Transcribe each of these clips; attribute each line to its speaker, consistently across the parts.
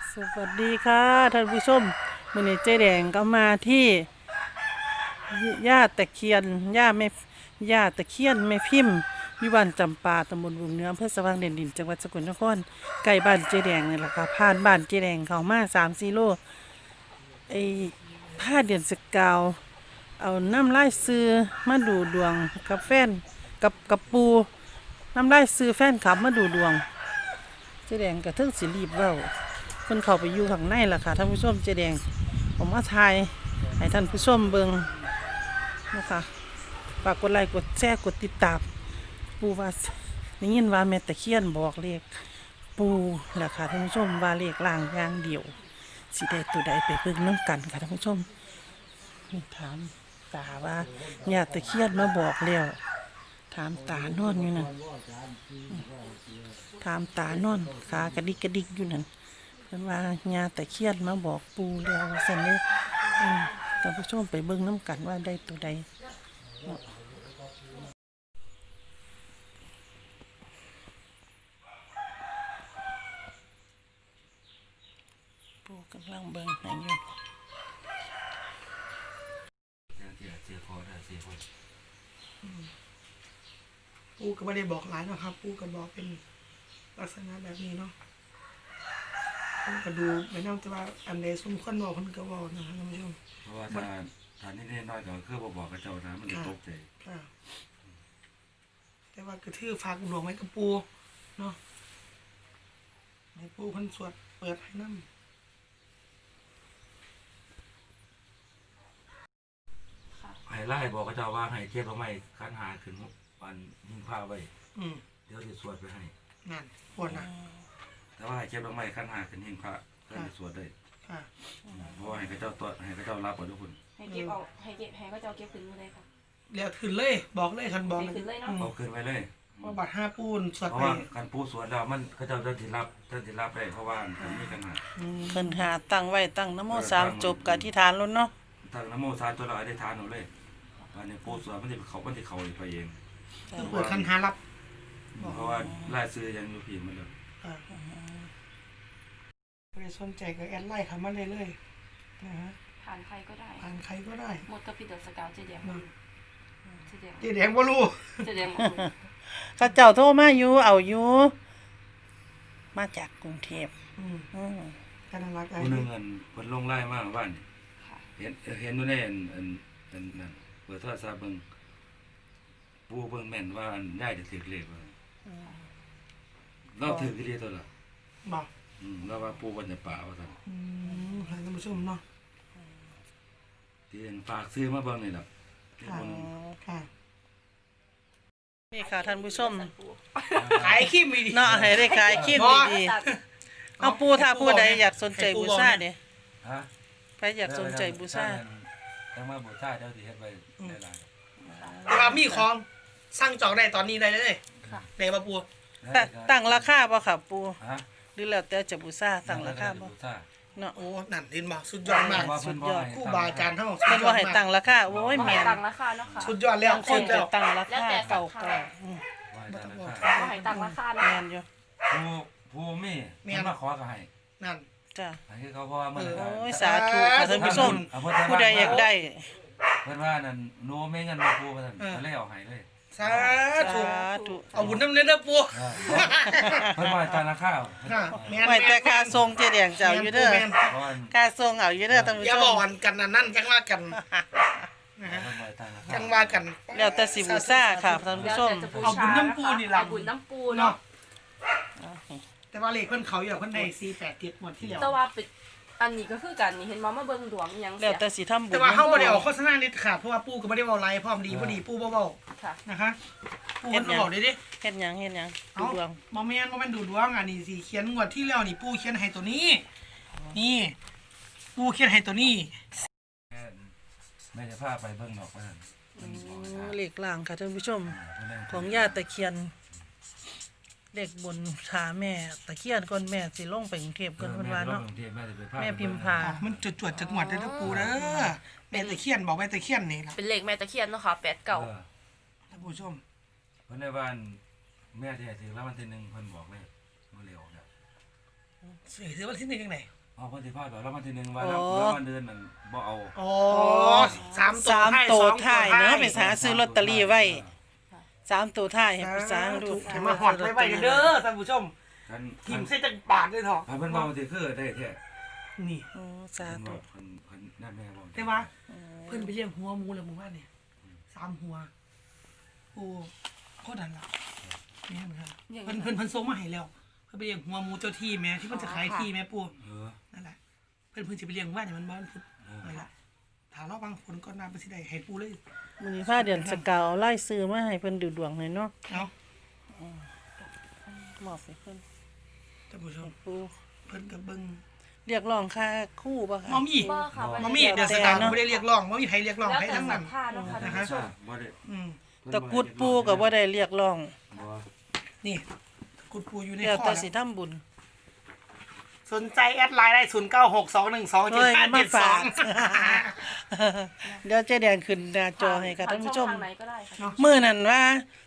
Speaker 1: สวัสดีค่ะท่านผู้ชมมื้อนี้เจ๊แดงก็มาที่ย่าตะเคียนย่าตะเคียนแม่พิมพ์วิวันจำปาตำบลบุงเหนืออำเภอสว่างแดนดินจังหวัดสกลนครใกล้บ้านเจ๊แดงนี่แหละค่ะผ่านบ้านเจ๊แดงเข้ามา3-4 โลไอ้ผ้าเดือนสกาวเอาน้ำลายซื้อมาดูดวงกับแฟนกับปูน้ำลายซื้อแฟนขับมาดูดวงเจ๊แดงก็ถึงสิรีบเว้าเพิ่นเข้าไปอยู่ข้างในล่ะค่ะท่านผู้ชมเจ๊แดงผมมาถ่ายให้ท่านผู้ชมเบิ่งนะคะฝากกดไลค์กดแชร์กดติดตามปูว่าได้ยินว่าแม่ตะเคียนบอกเลขปูล่ะค่ะท่านผู้ชมว่าเลขล่างอย่างเดียวสิได้ตัวใดไปเบิ่งนำกันค่ะท่านผู้ชมถามตาว่าย่าตะเคียนมาบอกแล้วถามตานอนอยู่นั่นถามตานอนขากระดิกกระดิกอยู่นั่นเพิ่นว่าย่าตะเคียนมาบอกปูแล้วว่าซั่นเด้ท่านผู้ชมไปเบิ่งนำกันว่าได้ตัวใดปูกำลังเบิ่งให้อยู่
Speaker 2: ปูก็ไม่ได้บอกหลายเนาะครับปูก็บอกเป็นลักษณะแบบนี้เนาะผมก็ดูไม่น่าจะว่าอันใดสมควรบอกคนก็บอกนะครับท่านผู้ชม
Speaker 3: เพราะว่าถ้านี่น้อยก็คือบอกกับเจ้านะมันจะตกใจ
Speaker 2: ค่ะแต่ว่าก็ถือฝากหลวงไว้กับปูเนาะให้ปูเพิ่นสวดเปิดให้นำ
Speaker 3: ให้ไล่บอกกับเจ้าว่าให้เก็บเอาไม้คันหาขึ้นวันหิ้งผ้าไว้เดี๋ยวจะสวดไปให้
Speaker 2: นั่นปวดนะ
Speaker 3: แต่ว่าให้เก็บเอาไม้คันหาขึ้นหิ้งผ้าเพื่อจะสวดได้เพราะว่าให้กับเจ้าตัวให้กับเจ้ารับเอาทุกคน
Speaker 4: ให้เก็บเอาให้เก็บให้ก็จะเอาเก็บขึ้นมาเลยค่ะ
Speaker 2: เดี๋ยวขึ้นเลยบอกเลยคันบอก
Speaker 4: ขึ้นเลยเนาะ
Speaker 3: เอาขึ้นไปเลย
Speaker 2: ว่าบัตร5ปูนสวดไป
Speaker 3: เพราะว่าคันปูสวดแล้วมันเขาเจ้าจะรับได้เพราะว่ามันมีกันหา
Speaker 1: เพิ่นหาตั้งไว้ตั้งนะโม3จบกับอธิษฐานแล้วเนาะ
Speaker 3: ตั้งนะโมสามตัวเราได้ทานเอาเลยอันนี้ปูสวดมันจะเขาไปเอง
Speaker 2: คือเปิดคันหารับ
Speaker 3: เพราะว่าไล่ซื้อยังอยู่ผีมันเลย
Speaker 2: ใครสนใจก็แอดไลน์เข้ามาเลยๆนะฮะ
Speaker 4: ผ่านใครก็ได้
Speaker 2: ผ่านใครก็ได้
Speaker 4: หมดกับพี่เดอะสกาวเจ๊แดง
Speaker 2: เจ๊แดงบ่รู้
Speaker 4: เจ๊แดง
Speaker 1: ข้าเจ้าโทรมาอยู่เอาอยู่มาจากกรุงเทพ
Speaker 2: กันรักไอ้
Speaker 3: คนนึงเงินคนลงไล่มากบ้านเห็นดูในอันนั่นเปิดโทรศัพท์เบิ่งปูเบิ่งแม่นว่าได้จะถือเลขว่าเราถือกี่เลขตัวละ
Speaker 2: บอก
Speaker 3: เราว่าปูวันจะป่าว่าซั่น
Speaker 2: ให้ท่านผู้ชมเนาะ
Speaker 3: ที่ฝากซื้อมาเบิ่งนี่ล่ะ
Speaker 2: ค่ะ
Speaker 1: นี่ค่ะท่านผู้ชม
Speaker 2: ขายขี้มีดี
Speaker 1: เนาะให้ได้ขายขี้ดีๆเอาปูถ้าผู้ใดอยากสนใจบูชาเด้ใครอยากสนใจบูชา
Speaker 3: ถ้ามาบูชาเดี๋ยวสิเฮ็ดไว้ได้หลาย
Speaker 2: แต่ว่ามีของสั่งจองได้ตอนนี้ได้เลยได้ป่ะปู
Speaker 1: ตั้งราคาบ่ค่ะปูหรือแล้วแต่จะบูชาตั้งราคาบ่เนาะ
Speaker 2: โอ้นั่นเห็นบ่สุดยอดมาก
Speaker 1: สุดยอด
Speaker 2: ครูบาอาจารย์เฮา
Speaker 1: เพิ่นว่าให้ตั้งราคาโอ้ยแม่น
Speaker 4: ตั้งราคาเนาะค่ะ
Speaker 2: สุดยอดแล้ว
Speaker 1: คนจะตั้งราคาเก่า
Speaker 4: ให้ตั้งราคา
Speaker 1: แม่นอยู่
Speaker 3: ผู้มีมาขอก็ให้
Speaker 2: นั่น
Speaker 1: จ้ะ
Speaker 3: ให้เขาเพราะว่ามัน
Speaker 1: โอ้ยสาธุค่ะท่านผู้ชมผู้ใดอยากได้
Speaker 3: เพิ่นว่านั่นโนไม่งั้นมาปูว่าซั่นก็เลยเอาให้เลย
Speaker 2: สาธุเอาบุญนำเด้อปู
Speaker 3: เพิ่นว่าตั้งราคา
Speaker 1: ไว้แต่ค่าทรงเจ๊แดงเจ้าอยู่เด้อค่าทรงเอาอยู่เด้อท่านผู้ชม
Speaker 2: อย่าบอกกันนั่นจังว่ากันจังว่ากัน
Speaker 1: แล้วแต่สิบูชาค่ะท่านผู้ชม
Speaker 2: เอาบุญน้ำปูนี่ล่ะ
Speaker 4: บุญน้ำปูเนาะ
Speaker 2: แต่ว่าเลขเพิ่นเขาอยู่เพิ่นได้487หมดที่แล้ว
Speaker 4: แต่ว่าปิดอันนี้ก็คือกันนี่เห็นมาเบิ่งดวงยัง
Speaker 1: แล้วแต่สิทำบุญ
Speaker 2: แต่ว่าเฮาบ่ได้ออกโฆษณาเด็ดขาดเพราะว่าปู่ก็บ่ได้เว้าไลฟ์พร้อมดีบ่ดีปู่บ่เว้า
Speaker 4: ค่ะ
Speaker 2: นะคะปู่เพิ่นบอกได้ดิ
Speaker 1: เฮ็ดหยังดูดวง
Speaker 2: บ่แม่นดูดวงอันนี้สิเขียนงวดที่แล้วนี่ปู่เขียนให้ตัวนี้นี่ปู่เขียนให้ตัวนี้
Speaker 3: แม่จะพาไปเบิ่งดอกว่าซั่น
Speaker 1: เลขล่างค่ะท่านผู้ชมของย่าตะเคียนเลขบนขาแม่ตะเคียนก่อนแม่สิลงไปกรุงเทพก่อนเพิ่นว่าเนาะแม่พิมพา
Speaker 2: มันจวดจักงวดเด้อปู่เด้อแม่ตะเคียนบอกแม่ตะเคียนนี่ล่ะ
Speaker 4: เป็นเลขแม่ตะเคียนเนาะค่ะ89
Speaker 2: ท่านผู้ชม
Speaker 3: เพิ่นได้ว่าแม่ที่ถือแล้ววันที่1เพิ่นบอกเลยบ่เร็วแล้ว
Speaker 2: ถือวันที่1จังได๋
Speaker 3: เอาคนที่พลาดแบบแล้วมันทีหนึงว่าแล้วมันเดินมันบ่เอา
Speaker 2: อ๋อสาม
Speaker 1: สาม
Speaker 2: ตัว
Speaker 1: ตัว
Speaker 2: ท้า
Speaker 1: ท้าย ยเนาะไปหาซื้อลอตเตอรี่ไว้สามตัวท้ายให้ผู้สาวดู
Speaker 2: เห็นมาหอดไว้เด้อท่านผู้ชม
Speaker 3: คัน
Speaker 2: ทีมใส่จังปาดเลยเถอะ
Speaker 3: คันเพิ่นว่ามันสิคือได้แท้
Speaker 2: นี่
Speaker 1: โอ้สา
Speaker 3: เพิ่น
Speaker 1: ธุ
Speaker 3: ว่าคันนั่นแม่บอก
Speaker 2: แต่ว่าเพิ่นไปเลี้ยงหัวหมูแล้วหมู่บ้านเนี่ย3 หัวโอ้โคตรดันละแม่นครับเพิ่นส่งมาให้แล้วเพิ่นไปเลี้ยงหัวหมูเจ้าที่แม่ที่เพิ่นจะขายที่แม่ปู่ นั่นแหละเพิ่นสิไปเลี้ยงว่าเนี่ยมันบ่มันพุดนั่นแหละถ้ารอบางผลก่อนมาไปสิได้ให้ปู่เลย
Speaker 1: มื้อนี้พาเดือนสกาวไล่ซื้อมาให้เพิ่นดูดวงหน่อยเนาะ
Speaker 2: เนาะ
Speaker 1: มอบให้เพิ่น
Speaker 2: ท่านผู้ชม
Speaker 1: ปู
Speaker 2: เพิ่นก็เบิ่ง
Speaker 1: เรียกร้องค่าคู่บ่คะ
Speaker 2: มอมี่
Speaker 4: บ่ค่ะ
Speaker 2: มอมี่เดี๋ยวสตาร์บ่ได้เรียกร้องบ่มีใครเรียกร้อง
Speaker 4: แล้ว
Speaker 2: ใคร
Speaker 4: แต่
Speaker 2: ทั้ง
Speaker 4: ศรั
Speaker 2: นั้
Speaker 4: ท
Speaker 2: น
Speaker 4: ธาเนาะค่ะท่าน
Speaker 2: นะคะ
Speaker 4: ผู้ชม
Speaker 3: บ่ได้
Speaker 2: อืม
Speaker 1: ตะกรุดปูก็บ่ได้เรียกร้อง
Speaker 3: บ่
Speaker 2: นี่กุดปู่อยู่ใน
Speaker 1: แล้ว
Speaker 2: ข้อ
Speaker 1: แต่
Speaker 2: แล้ว
Speaker 1: สิทำบุญ
Speaker 2: สนใจแอดไลน์ได้0962127572
Speaker 1: เดี๋ยวเจ๊แดงขึ้นหน้าจอให้ค่ะท่านผู้ชม
Speaker 4: ทางไหนก็ได้ค่ะ
Speaker 1: มื้อนั้นว่า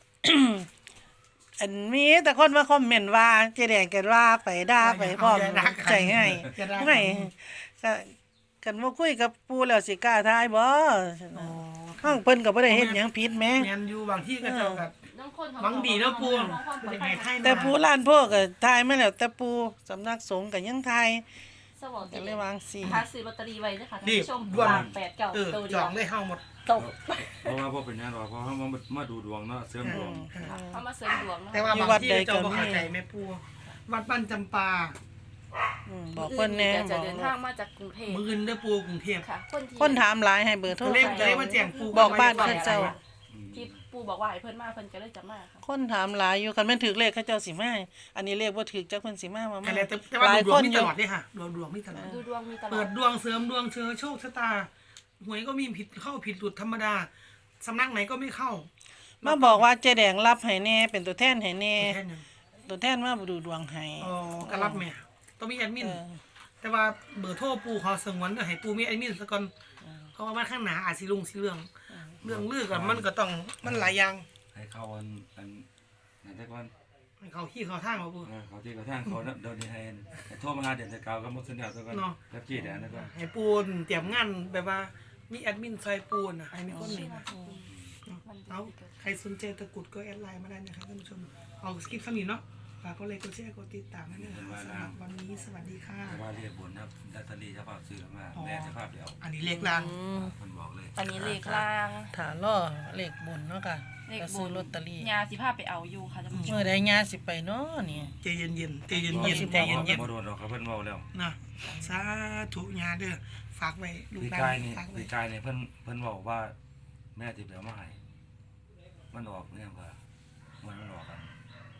Speaker 1: อันมีแต่คนมาคอมเมนต์ว่าเจ๊แดงกันว่าไปด่าไปพร้อมใจให้ไม่ก็กันบ่คุยกับปู่แล้วสิกล้าทายบ่
Speaker 2: อ๋อ
Speaker 1: ข้างเพิ่นก็บ่ได้เฮ็ดหยังผิดแหม
Speaker 2: แม่นอยู่บางที่ก็เจ้าก็
Speaker 4: น้องคน
Speaker 2: หวังดีแล้วปู่บ่ได้ให้ให้
Speaker 1: แต่ปู่ล้านโพก็ทายมาแล้วแต่ปู่สำนักสงฆ์ก็ยังทาย
Speaker 4: สวัส
Speaker 1: ก็
Speaker 4: ดี
Speaker 1: เลยวางสิ
Speaker 4: หาซื้อลอตเตอรี่ไว้ด้วยค่ะท่าน
Speaker 2: นี่
Speaker 4: ผู้ชม
Speaker 2: ด่วน
Speaker 4: 8 9ตัว
Speaker 2: จ
Speaker 4: เดีย
Speaker 2: อ
Speaker 4: ว
Speaker 2: งเลยเฮาหมด
Speaker 4: ตก
Speaker 3: เพราะว่าบ่เป็นหยังหรอกเพราะว่ามาดูดวงเนาะเสริมดวง
Speaker 4: เขามาเสริมดวงเนาะ
Speaker 2: แต่ว่าบางที่เจ้าบ่เข้าใจแม่ปู่วัดบ้านจำปา
Speaker 1: บอกเพิ่นแหน่
Speaker 4: จะ
Speaker 1: บอก
Speaker 4: เดินทางมาจากกรุงเทพ
Speaker 2: มื้ออื่นเด้อปู่กรุงเทพ
Speaker 4: ค่ะ คนที่
Speaker 1: คนถามหลายให้เบอร์โทร
Speaker 2: ก็เลย
Speaker 1: เขา
Speaker 2: ก็
Speaker 1: เจ้า
Speaker 2: เลยมาแจ้งปู่
Speaker 1: บอกบ้านเขาเจ้า
Speaker 4: ที่ปู่บอกว่าให้เพิ่นมาเพิ่นก็เลยจะมาค่ะ
Speaker 1: คนถามหลายอยู่คันแม่นถึกเลขเขาเจ้าสิมาอันนี้เลขบ่ถึกจักเพิ่นสิมามา
Speaker 2: แต่
Speaker 1: มา
Speaker 2: แล้วแต่ว่า
Speaker 1: หลาย
Speaker 2: ดว
Speaker 1: ค
Speaker 2: ง
Speaker 1: น
Speaker 2: มี
Speaker 1: อ
Speaker 2: ต
Speaker 1: ยู่
Speaker 2: ลอดเลยค่ะดวงมีตลอด
Speaker 4: ดูดวงมีตลอ
Speaker 2: เปิ
Speaker 4: ด
Speaker 2: ดดวงเสริมดวงเชิญโชคชะตาหวยก็มีผิดเข้าผิดหลุดธรรมดาสำนักไหนก็ไม่เข้า
Speaker 1: มาบอกว่าเจ๊แดงรับให้แน่เป็นตัวแทนให้แน่
Speaker 2: แค่นั้น
Speaker 1: ตัวแทนมาดูดวงให้
Speaker 2: อ๋อก็รับแม่ต้องมีแอดมิน
Speaker 1: เออ
Speaker 2: แต่ว่าเบอร์โทรปู่ขอสงวนก็ให้ปู่มีแอดมินซะก่อนเพราะว่ามันข้างหน้าอาจสิลุงสิเรื่องลือกันมันก็ต้องมันหลายอย่าง
Speaker 3: ให้เข้าอันนั่นแต่ก่อน
Speaker 2: ให้เขาขี้เขาทางเอาปู่
Speaker 3: เขาที่กระทั่งเขาเดี๋ยวนี้ให้โทรมาหาเดือนจะเก่าก็หมดสัญญาซะก่อน
Speaker 2: เนาะ
Speaker 3: กับจี้เดี๋ยวนะก่อน
Speaker 2: ให้ปูนเตรียมงานแบบว่ามีแอดมินซอยปูนให้มีคนนี่นะเอาใครสนใจตะกรุดก็แอดไลน์มาได้นะครับท่านผู้ชมเอาสคริปต์คำนี้เนาะฝากก็เลยกดแชร์กดติดตามให้ด้วยนะคะสำหรับวันนี้สวัสดีค่ะ
Speaker 3: แต่ว่าเรียกบนครับดัตเตอรี่เจ้าภาพซื้อมาแม่เจ้าภาพเดี๋ยว
Speaker 2: อันนี้เลขลาง
Speaker 3: มันบอกเลย
Speaker 4: อันนี้เลขล่าง
Speaker 1: ถ้าล่อเลขบนเนาะค่ะ
Speaker 4: เลข
Speaker 1: ก็
Speaker 4: บ
Speaker 1: ซื้อน ลอตเตอรี่
Speaker 4: ยาสิพาไปเอาอยู่ค่ะท่านผู้ชม
Speaker 1: เมื่อใดญาสิไปเนาะนี่
Speaker 2: ใจเย็นๆใจเย็นๆใจเย็น
Speaker 3: บ่โดนหรอกครับเพิ่นเว้าแล้ว
Speaker 2: ๆนะสาธุญาเด้อฝากไว้ลูก
Speaker 3: ปี
Speaker 2: หลาน
Speaker 3: กายนี่
Speaker 2: ฝากไว้
Speaker 3: ปีกายนี่เพิ่นบอกว่าแม่สิไปเอามาให้มันออกเนี่ยว่ามันออกกัน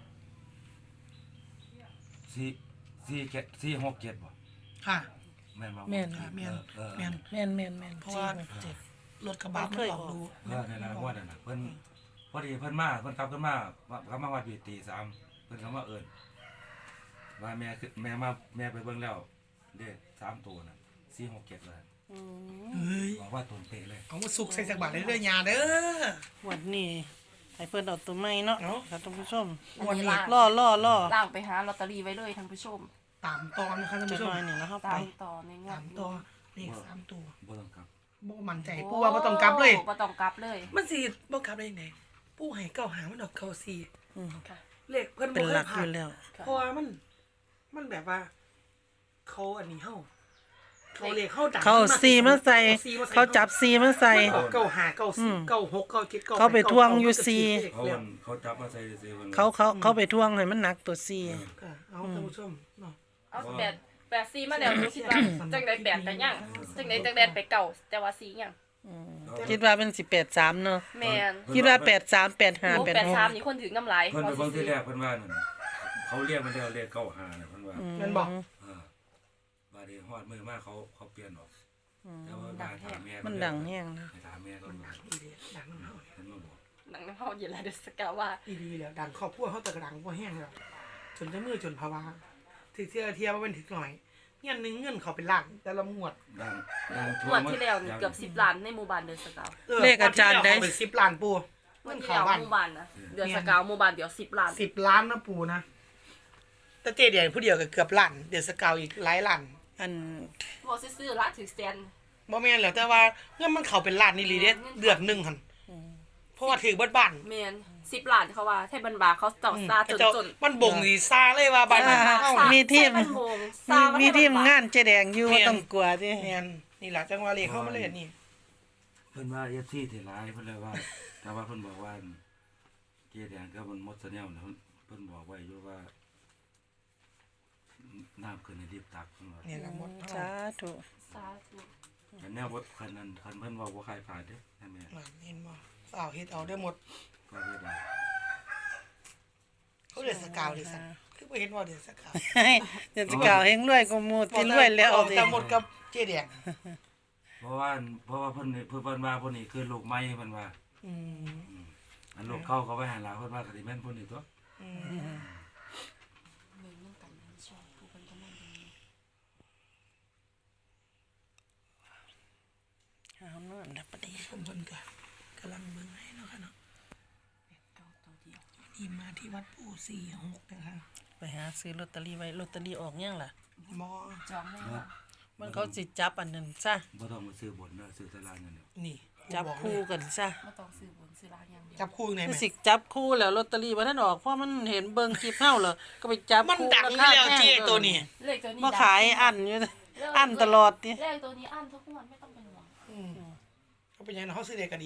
Speaker 3: 4 6 7บ่
Speaker 2: ค่ะ
Speaker 3: แม่นบ่
Speaker 1: แม่น
Speaker 2: ค่ะแม่น
Speaker 3: แม่
Speaker 2: แม่น
Speaker 1: แม่น
Speaker 2: เพราะว่า
Speaker 1: เจ็ด
Speaker 2: รถกระบะมันออกดู
Speaker 3: นั่นน่ะว่านั่นน่ะเพิ่นพอดีเพิ่นมาเพิ่นกลับขึ้นมาว่าปีตี3เพิ่นก็มาเอิ้นว่าแม่คือแม่ไปเบิ่งแล้วเลข3ตัวน่ะ4 6 7เลย
Speaker 1: อืม
Speaker 2: เฮ้ย
Speaker 3: บอกว่าตนเป๊ะเลย
Speaker 2: เอามาสุกใส่จักรบาทเรื่อยๆญาเด้อ
Speaker 1: วันนี้ให้เพิ่นเอาตัวใหม่เนาะ
Speaker 2: เนาะ
Speaker 1: ค่ะท่านผู้ชม
Speaker 4: อันนี้ล่าง
Speaker 1: ล่อ
Speaker 4: ล่างไปหาลอตเตอรี่ไว้เลยท่านผู้ชม
Speaker 2: ตามตอนนะคะท่าน
Speaker 1: จะ
Speaker 2: ผู้ช
Speaker 1: น้
Speaker 2: ม
Speaker 1: อยนี่แล้วเข้าไป
Speaker 4: ตามต่อในงว
Speaker 2: สา
Speaker 4: ด
Speaker 2: มตัวเลขสามตัว
Speaker 3: บ่ต้องครับ
Speaker 2: บ่มั่นใจปูว่าบ่ต้องกลับเลย
Speaker 4: บ่ต้องกลับเลย
Speaker 2: มันสิบ่กลับได้ยังไงปูให้เก้าหามันดอกเก้าสี่
Speaker 1: อืม
Speaker 4: ค่ะ
Speaker 2: เลขเพิ่น
Speaker 1: เป็
Speaker 2: บ่
Speaker 1: น
Speaker 2: เค
Speaker 1: หลั
Speaker 2: ย
Speaker 1: ก
Speaker 2: ผ่า
Speaker 1: อน ยู่แล้ว
Speaker 2: เพราะว่ามันแบบว่า เขาอันนี้เฮาเขาเลขเฮาดัง
Speaker 1: เขาซีมาใส่
Speaker 2: ซีมาใส่
Speaker 1: เขาจับซีมาใส่
Speaker 2: มันออกเก้าหาเก้า
Speaker 1: อื
Speaker 2: สี่
Speaker 1: ม
Speaker 2: เก้าหกเก้าเจ็ดเก้า
Speaker 1: เขาไปทวงอยู่ซี
Speaker 3: เขาจับมาใส่ซื้อมัน
Speaker 1: เขาไปทวงให้มันหนักตัวซี
Speaker 2: ค่ะเอาท่านผู้ชมเนาะ
Speaker 4: เอา8 4มาแล้วหนูคิดว่าจังได๋8ก็ยังจังได๋จังได๋ไปเก่าแต่ว่า4ยัง
Speaker 1: คิดว่าเป็น18-3เนาะ
Speaker 4: แม่น
Speaker 1: คิดว่า83 85
Speaker 4: โอ้83
Speaker 1: 86
Speaker 4: นี่คนถึงน้ำลาย
Speaker 3: เพิ่นไปเบิ่งที่แรกเพิ่นว่านั่นเขาเรียกมันแล้วเรียก95น่ะเพิ่นว่า
Speaker 2: แม่นบอก
Speaker 3: บาดนี้ฮอดมือมาเขาเปลี่ยนออกแต่ว่าบ้านถามแม่
Speaker 1: มันดังแห้งนะ
Speaker 3: ถามแม่ก็
Speaker 2: มันดังอีเดีดังน้ำเฮา
Speaker 3: เพิ่นมาบอก
Speaker 4: หนังน้ำเฮาอยู่แล้วเด้อสกาว่า
Speaker 2: อีดีแล้วดังครอบครัวเฮาแต่กระดังบ่แห้งแล้วจนจะมือจนภาวะถึงเทียบ่เป็นถึกหน่อยเงินนึงเงินเขาเป็นล้านแต่ละงวด
Speaker 3: ดัง
Speaker 4: งวดที่แล้วนี่เกือบ10ล้านในหมู่บ้านเด้อสกา
Speaker 1: เลขอาจารย์ได้
Speaker 2: เเป็น10ล้านปู
Speaker 4: งวดที่แล้วหมู่บ้านนะเดือนสกาหมู่บ้านเดี๋ยว10ล้าน
Speaker 2: 10 ล้านนะปูนะแต่เจเดียนผู้เดียวก็เกือบล้านเดือนสกาวอีกหลายล้าน
Speaker 1: อัน
Speaker 4: บ่ซื่อๆละถือแสน
Speaker 2: บ่แม่นแล้วแต่ว่าเงินมันเข้าเป็นล้านนี่ลีเด้เดือนหนึงหั่นเพราะว่าถือเบิดบ้าน
Speaker 4: แม่น10 ล้านเขาว่าไทยบันบาเขาเจ้าซาจน
Speaker 2: มันบ่งสิซาเลยว่าบ้านนั้นเฮา
Speaker 1: มีทีม
Speaker 4: ไทยบันโมงซา
Speaker 1: มี
Speaker 4: ว่า
Speaker 1: ทีม
Speaker 4: ไทยบันบ
Speaker 1: งานเจ๊แดงอยู่บ่ต้องกลัวติ
Speaker 2: แม่นนี่ล่ะจังว่าเลขเข้ามาเลยอันนี่
Speaker 3: เพิ่นว่า FC ที่หลายเพิ่นเลยว่า แต่ว่าเพิ่นบอกว่าเกียร์แดงก็มันหมดซะแล้วนะเพิ่นบอกไว้อยู่ว่าน้ำขึ้นในรีบตักเพิ่นว่า
Speaker 2: นี่ล่ะหมด
Speaker 1: สาธุ
Speaker 4: สาธุ
Speaker 3: อันแนวบ่คันนั้นคันเพิ่นว่าบ่คายขาดเด้นั่นแม่
Speaker 2: นั่นเห็นบ่เอาเฮ็ดเอาได้หมด
Speaker 3: ก็เฮ็ดได้
Speaker 2: เขาเรียนสกาวดิซั่นคือบ่เห็นว่าเรียนสกาว
Speaker 1: เดี๋ยวสิกล่าวเฮงรวยกว่าหมู่ที่รวยแล้ว
Speaker 2: เอา
Speaker 1: ติ
Speaker 2: แต่หมดกับเจ๊แดง
Speaker 3: เพราะว่าเพิ่นนี่เพิ่นว่าเพิ่นนี่คือลูกใหม่เพิ่นว่า
Speaker 2: อืม
Speaker 3: อันลูกเก่าก็ไว้ให้หลานเพิ่นว่าก็สิแม่นเพิ่นนี่ตัว
Speaker 2: อืม
Speaker 4: มีนำกันในช่องผู้คนกำลังดี
Speaker 1: เอาเนั่นล่ะปะเดี๋ยว
Speaker 2: เพิ่นก็กำลังเบิ่งให้เนาะค่ะเนาะ
Speaker 4: เก่าตัวเดียว
Speaker 2: นี่มาที่วัดปู่46นะคะ
Speaker 1: ไปหาซื้อลอตเตอรี่ไว้ลอตเตอรี่ออกยังล่ะ
Speaker 2: บ่
Speaker 4: จองได้ว่า
Speaker 1: มันเขาสิจับอันนั้นซะ
Speaker 3: บ่ต้องมาซื้อบนเด้อซื้อแต่ลานอย่างเดียว
Speaker 2: นี่
Speaker 1: จับคู่กันซะ
Speaker 4: บ่ต้องซื้อบนซื้อล่างอย่างเดียว
Speaker 2: จับคู่ยังไง
Speaker 1: คือ
Speaker 2: แม่
Speaker 1: สิจับคู่แล้วลอตเตอรี่บ่ทันออกเพราะมันเห็นเบิ่งคลิปเฮาเหรอก็ไปจับ
Speaker 2: มัน
Speaker 1: คู่
Speaker 2: ดัง
Speaker 1: รา
Speaker 2: อยู่
Speaker 1: คา
Speaker 2: แล้ว
Speaker 1: แพง
Speaker 2: เจ๊ตัวนี้
Speaker 4: เลขตัวนี้
Speaker 1: บ่ขายอันอยู่อันตลอดติ
Speaker 4: เลขตัวนี้อันทุกงวดไม่ต้องเป็นห่วง
Speaker 2: อืมเขาเป็นยังไงเขาซื้อเด็กก็ดี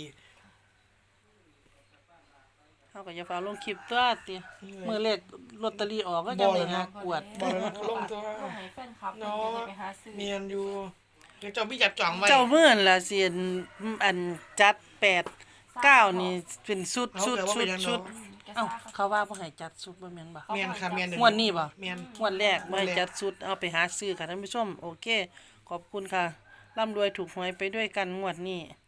Speaker 1: เฮาก็อย่าฟ้าลงคลิปตัวติมื้อเลขลอตเตอรี่ออกก็จะได้หากวด
Speaker 2: บ่แล้วนะลงตัว
Speaker 4: ก็ให้แฟนคลับ
Speaker 2: เนาะ
Speaker 4: เพิ่นจะได้ไปหาซื้อ
Speaker 2: เมียนอยู่เดี๋ยวเจ้าพี่จับจ่องไว้
Speaker 1: เจ้าเมื่อนล่ะสิอันจัด8 9นี่เป็นชุด
Speaker 2: เอาแต่ว่าเป็นยังเนาะ
Speaker 1: เอ้าเขาว่าบ่ให้จัดชุดบ่แม่นบ่
Speaker 2: เมียนค่ะเมียน
Speaker 1: งวดนี้บ่
Speaker 2: เมียน
Speaker 1: งวดแรกบ่ให้จัดชุดเอาไปหาซื้อค่ะท่านผู้ชมโอเค ขอบคุณค่ะร่ำรวยถูกหวยไปด้วยกันงวดนี้